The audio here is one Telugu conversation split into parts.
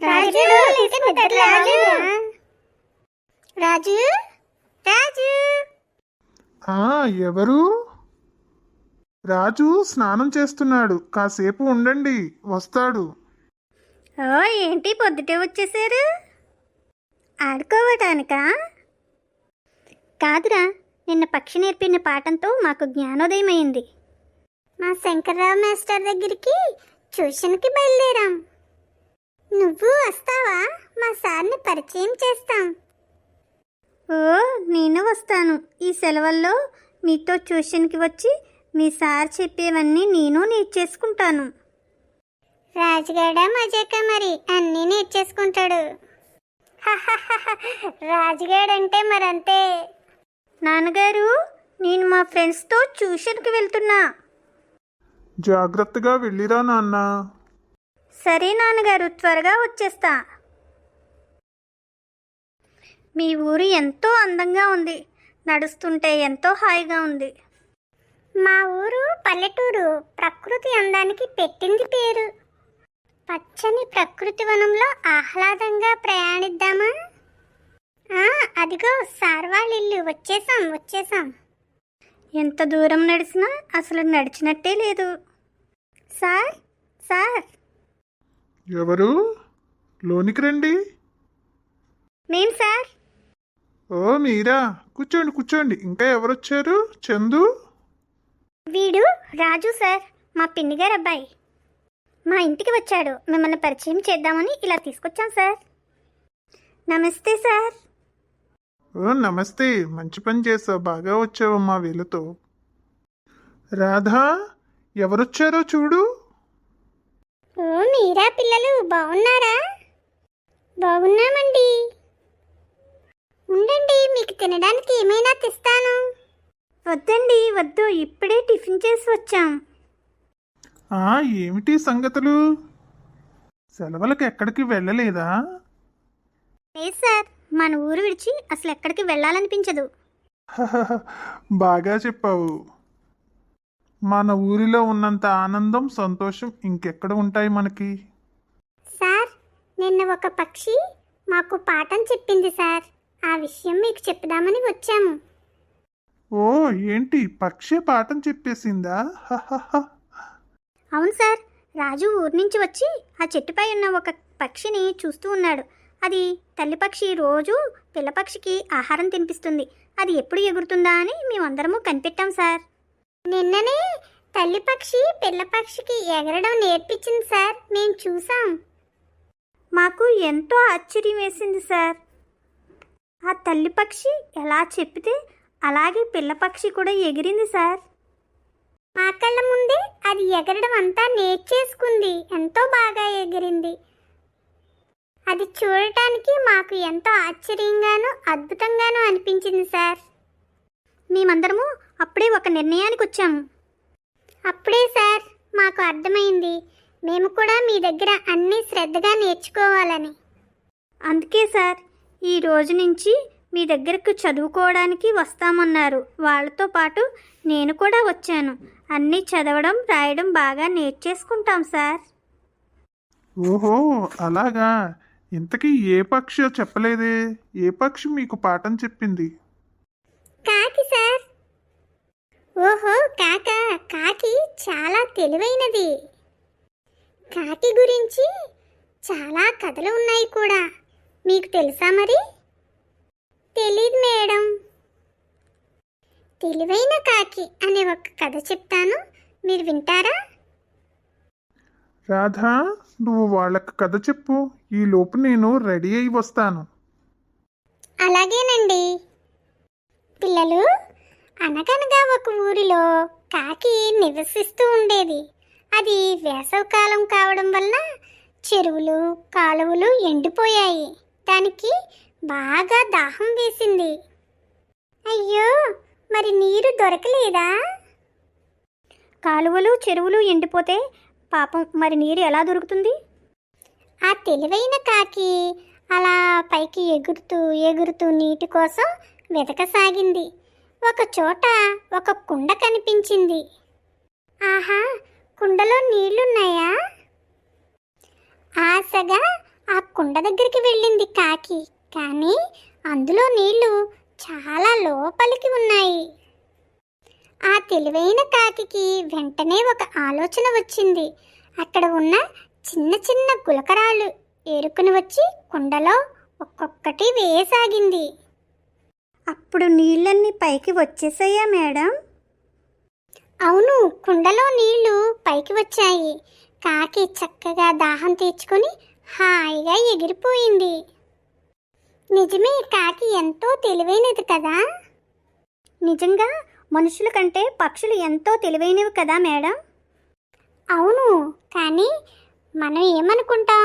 రాజు రాజు రాజు రాజు ఎవరు? రాజు స్నానం చేస్తున్నాడు, కాసేపు ఉండండి, వస్తాడు. ఓ ఏంటి పొద్దుటే వచ్చేసారు? ఆడుకోవటానికా? కాదురా, నిన్న పక్షి నేర్పిన పాఠంతో మాకు జ్ఞానోదయం అయింది. మా శంకర్రావు మాస్టర్ దగ్గరికి ట్యూషన్కి బయలుదేరాం. నువ్వు వస్తావా? మా సార్ని పరిచయం చేస్తాం. ఓ నేను వస్తాను. ఈ సెలవుల్లో మీతో ట్యూషన్కి వచ్చి మీ సార్ చెప్పేవన్నీ నేను నేర్చేసుకుంటాను. రాజుగాడ మజాక మరి అన్నీ నేర్చేసుకుంటాడు. రాజుగాడంటే మరంతే. నాన్నగారు, నేను మా ఫ్రెండ్స్తో ట్యూషన్కి వెళ్తున్నా. జాగ్రత్తగా వెళ్ళిరా నాన్న. సరే నాన్నగారు, త్వరగా వచ్చేస్తా. మీ ఊరు ఎంతో అందంగా ఉంది. నడుస్తుంటే ఎంతో హాయిగా ఉంది. మా ఊరు పల్లెటూరు. ప్రకృతి అందానికి పెట్టింది పేరు. పచ్చని ప్రకృతి వనంలో ఆహ్లాదంగా ప్రయాణిద్దామా? అదిగో సార్ వాళ్ళ ఇల్లు. వచ్చేసాం. ఎంత దూరం నడిచినా అసలు నడిచినట్టే లేదు. సార్ సార్ ఎవరు? లోనికి రండి. నేను సార్. ఓ మీరా, కూర్చోండి. ఇంకా ఎవరొచ్చారు? చందు? వీడు రాజు సార్, మా పిన్ని గారు అబ్బాయి. మా ఇంటికి వచ్చాడు. మిమ్మల్ని పరిచయం చేద్దామని ఇలా తీసుకొచ్చాం సార్. నమస్తే సార్. ఓ నమస్తే, మంచి పని చేసావు, బాగా వచ్చావమ్మా వీళ్ళతో. రాధా, ఎవరొచ్చారో చూడు. ఓ మీరా పిల్లలు, బాగున్నారా? బాగున్నామండి. ఉండండి, మీకు తినడానికి ఏమైనా తెస్తాను. వద్దండి, వద్దు, ఇప్పుడే టిఫిన్ చేసి వచ్చాం. ఏమిటి సంగతులు? సెలవులకు ఎక్కడికి వెళ్ళలేదా? లేదు సార్, మన ఊరు విడిచి అసలు ఎక్కడికి వెళ్ళాలనిపించదు. బాగా చెప్పావు. మన ఊరిలో ఉన్నంత ఆనందం, సంతోషం ఇంకెక్కడ ఉంటాయి మనకి? సార్, నిన్న ఒక పక్షి మాకు పాఠం చెప్పింది సార్. ఆ విషయం మీకు చెప్దామని వచ్చాము. ఓ ఏంటి, పక్షి పాఠం చెప్పేసిందా? అవును సార్, రాజు ఊరి నుంచి వచ్చి ఆ చెట్టుపై ఉన్న ఒక పక్షిని చూస్తూ ఉన్నాడు. అది తల్లి పక్షి రోజు పిల్లపక్షికి ఆహారం తినిపిస్తుంది. అది ఎప్పుడు ఎగురుతుందా అని మేమందరము కనిపెట్టాం సార్. నిన్ననే తల్లి పక్షి పిల్లపక్షికి ఎగరడం నేర్పించింది సార్. మేము చూసాం. మాకు ఎంతో ఆశ్చర్యం వేసింది సార్. ఆ తల్లి పక్షి ఎలా చెప్పితే అలాగే పిల్లపక్షి కూడా ఎగిరింది సార్. మా కళ్ళ ముందే అది ఎగరడం అంతా నేర్చేసుకుంది. ఎంతో బాగా ఎగిరింది. అది చూడటానికి మాకు ఎంతో ఆశ్చర్యంగాను అద్భుతంగాను అనిపించింది సార్. మేమందరము అప్పుడే ఒక నిర్ణయానికి వచ్చాము. అప్పుడే సార్ మాకు అర్థమైంది, మేము కూడా మీ దగ్గర అన్నీ శ్రద్ధగా నేర్చుకోవాలని. అందుకే సార్ ఈ రోజు నుంచి మీ దగ్గరకు చదువుకోవడానికి వస్తామన్నారు. వాళ్ళతో పాటు నేను కూడా వచ్చాను. అన్నీ చదవడం రాయడం బాగా నేర్చేసుకుంటాం సార్. ఓహో అలాగా. ఇంతకీ ఏ పక్షి చెప్పలేదే? ఏ పక్షి మీకు పాఠం చెప్పింది? కాకి సార్. ఓహో కాకి చాలా తెలివైనది. కాకి గురించి చాలా కథలు ఉన్నాయి కూడా. మీకు తెలుసా మరి? తెలీదు మేడం. తెలివైన కాకి అనే ఒక కథ చెప్తాను, మీరు వింటారా? రాధా, నువ్వు వాళ్ళకి కథ చెప్పు, ఈ లోపు నేను రెడీ అయి వస్తాను. అలాగేనండి. పిల్లలు, అనగనగా ఒక ఊరిలో కాకి నివసిస్తూ ఉండేది. అది వేసవికాలం కావడం వల్ల చెరువులు కాలువలు ఎండిపోయాయి. దానికి బాగా దాహం వేసింది. అయ్యో, మరి నీరు దొరకలేదా? కాలువలు చెరువులు ఎండిపోతే పాపం మరి నీరు ఎలా దొరుకుతుంది? ఆ తెలివైన కాకి అలా పైకి ఎగురుతూ నీటి కోసం వెతకసాగింది. ఒక చోట ఒక కుండ కనిపించింది. ఆహా, కుండలో నీళ్లున్నాయా? ఆశగా ఆ కుండ దగ్గరికి వెళ్ళింది కాకి. కానీ అందులో నీళ్లు చాలా లోపలికి ఉన్నాయి. ఆ తెలివైన కాకికి వెంటనే ఒక ఆలోచన వచ్చింది. అక్కడ ఉన్న చిన్న చిన్న గులకరాళ్ళు ఏరుకుని వచ్చి కుండలో ఒక్కొక్కటి వేయసాగింది. అప్పుడు నీళ్ళన్నీ పైకి వచ్చేసాయా మేడం? అవును, కుండలో నీళ్లు పైకి వచ్చాయి. కాకి చక్కగా దాహం తీర్చుకొని హాయిగా ఎగిరిపోయింది. నిజమే, కాకి ఎంతో తెలివైనది కదా. నిజంగా మనుషుల కంటే పక్షులు ఎంతో తెలివైనవి కదా మేడం? అవును, కానీ మనం ఏమనుకుంటాం?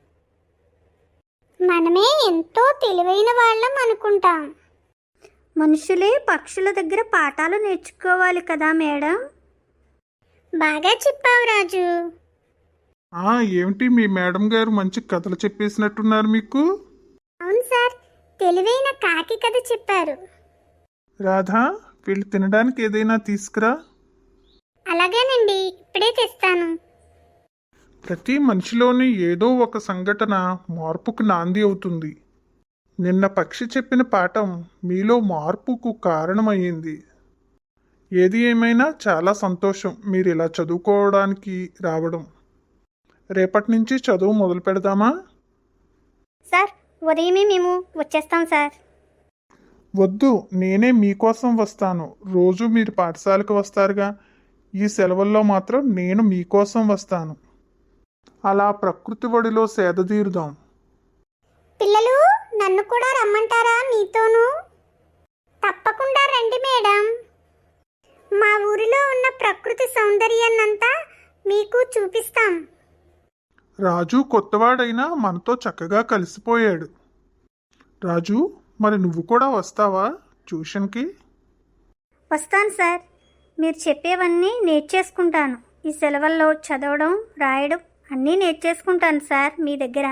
మనమే ఎంతో తెలివైన వాళ్ళం అనుకుంటాం. మనుషులే పక్షుల దగ్గర పాఠాలు నేర్చుకోవాలి కదా మేడం? బాగా చెప్పావు రాజు. ఏమిటి మీ మేడం గారు మంచి కథలు చెప్పేసినట్టున్నారు మీకు? అవును సార్, తెలివైన కాకి కథ చెప్పారు. రాధా, వీళ్ళు తినడానికి ఏదైనా తీసుకురా. అలాగేనండి, ఇప్పుడే తెస్తాను. ప్రతి మనిషిలోని ఏదో ఒక సంఘటన మార్పుకు నాంది అవుతుంది. నిన్న పక్షి చెప్పిన పాఠం మీలో మార్పుకు కారణమయ్యింది. ఏది ఏమైనా చాలా సంతోషం మీరు ఇలా చదువుకోవడానికి రావడం. రేపటి నుంచి చదువు మొదలు పెడదామా? సార్, ఉదయమే మేము వచ్చేస్తాం సార్. వద్దు, నేనే మీకోసం వస్తాను. రోజు మీరు పాఠశాలకు వస్తారుగా, ఈ సెలవుల్లో మాత్రం నేను మీకోసం వస్తాను. అలా ప్రకృతి ఒడిలో సేదతీరుదాం. పిల్లలు, నన్ను కూడా రమ్మంటారా మీతోనూ? తప్పకుండా రండి మేడం. మా ఊరిలో ఉన్న ప్రకృతి సౌందర్యాన్నంతా మీకు చూపిస్తాం. రాజు కొత్తవాడైనా మనతో చక్కగా కలిసిపోయాడు. రాజు, మరి నువ్వు కూడా వస్తావా ట్యూషన్కి? వస్తాను సార్. మీరు చెప్పేవన్నీ నేర్చేసుకుంటాను. ఈ సెలవుల్లో చదవడం, రాయడం అన్నీ నేర్చేసుకుంటాను సార్ మీ దగ్గర.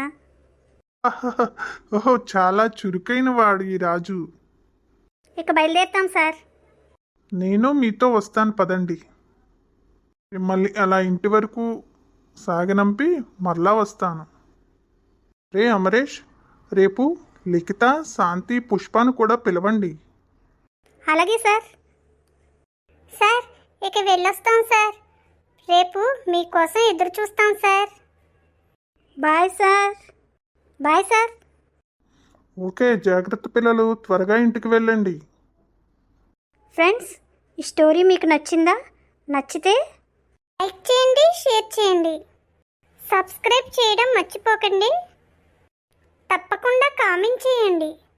ఓహో, చాలా చురుకైన వాడు ఈ రాజు. ఇక బయలుదేరుతాం సార్. నేను మీతో వస్తాను, పదండి. మిమ్మల్ని అలా ఇంటి వరకు సాగనంపి మరలా వస్తాను. రే అమరేష్, రేపు లిఖిత, శాంతి, పుష్పను కూడా పిలవండి. అలాగే సార్. సార్, ఇక వెళ్ళొస్తాం సార్. రేపు మీకోసం ఎదురు చూస్తాం sir. Bye sir. Bye sir. Okay, జాగ్రత్త పిల్లలు, త్వరగా ఇంటికి వెళ్ళండి. ఫ్రెండ్స్, ఈ స్టోరీ మీకు నచ్చిందా? నచ్చితే లైక్ చేయండి, షేర్ చేయండి, సబ్స్క్రైబ్ చేయడం మర్చిపోకండి. తప్పకుండా కామెంట్ చేయండి.